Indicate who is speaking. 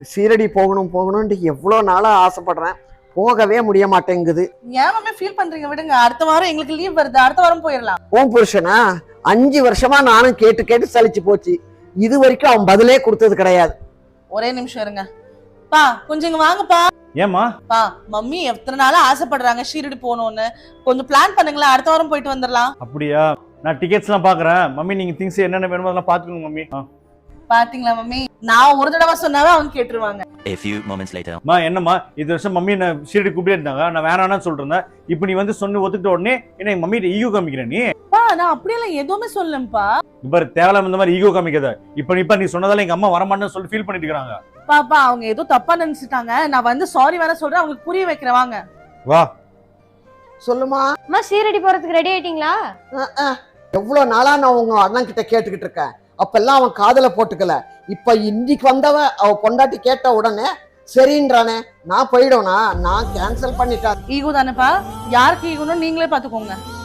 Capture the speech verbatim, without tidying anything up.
Speaker 1: சீரடி போகணும் போகணும்னு எவ்வளோ நாளா ஆசைப்படுறேன், போகவே முடிய மாட்டேங்குது.
Speaker 2: ஏன் மாமே ஃபீல் பண்றீங்க? விடுங்க, அடுத்த வாரம் எங்களுக்கு லீவ் வருது, அடுத்த வாரம் போயிடலாம்.
Speaker 1: ஓம் புருஷனா அஞ்சு வருஷமா நானும் கேட்டு கேட்டு சலிச்சு போச்சு. இது வரைக்கும் அவன் பதிலே கொடுத்தது கிடையாது.
Speaker 2: ஒரே நிமிஷம் இருங்க பா, கொஞ்சம் இங்க வாங்கப்பா.
Speaker 3: ஏமா
Speaker 2: பா, மம்மி எத்தனை நாளா ஆசைப்படுறாங்க ஷீரடி போகணும்னு, கொஞ்சம் பிளான் பண்ணுங்களேன், அடுத்த வாரம் போயிட்டு வந்துடலாம்.
Speaker 3: அப்படியா? நான் டிக்கெட்ஸ் எல்லாம் பாக்குறேன். மம்மி நீங்க திங்ஸ் என்னென்ன வேணுமோ அதெல்லாம் பாத்துக்கோங்க மம்மி.
Speaker 2: பாத்தீங்களா மம்மி, நான் ஒரு தடவை சொன்னாவே அவங்க கேட்டுருவாங்க.
Speaker 4: A few moments later.
Speaker 3: மா என்னம்மா இது வருஷம் மம்மி என்ன சீரடி கூப்பிட்டே இருந்தாங்க, நான் வேணான்னு சொல்றேன். இப்போ நீ வந்து சொன்ன ஒத்துக்கிட்ட உடனே என்ன எங்க மம்மி ஈகோ காமிக்கிற நீ?
Speaker 2: பா, நான் அப்படியெல்லாம் எதுவுமே சொல்லலப்பா.
Speaker 3: இப்ப தேவலாம் இந்த மாதிரி ஈகோ காமிக்காத. இப்போ இப்ப நீ சொன்னதால எங்க அம்மா வரமாட்டேன்னு சொல்லி ஃபீல் பண்ணிட்டு இருக்காங்க.
Speaker 2: பாப்பா, அவங்க ஏதோ தப்பா நினைச்சிட்டாங்க, நான் வந்து சாரி வேற சொல்றேன், அவங்களுக்கு புரிய வைக்கிறேன். வாங்க
Speaker 3: வா.
Speaker 1: சொல்லுமா.
Speaker 5: அம்மா சீரடி போறதுக்கு ரெடி ஆயிட்டீங்களா?
Speaker 1: எவ்வளோ நாளா நான் உங்க அண்ணன் கிட்ட கேட்டுக்கிட்டு இருக்கேன், அப்பெல்லாம் அவன் காதல போட்டுக்கல. இப்ப இன்னைக்கு வந்தவ அவ பொண்டாட்டி கேட்ட உடனே சரின்றானே, நான் போயிடுவேனா? நான் கேன்சல் பண்ணிட்டேன்.
Speaker 2: ஈகோ தானேப்பா, யாருக்கு ஈகோன்னு நீங்களே பாத்துக்கோங்க.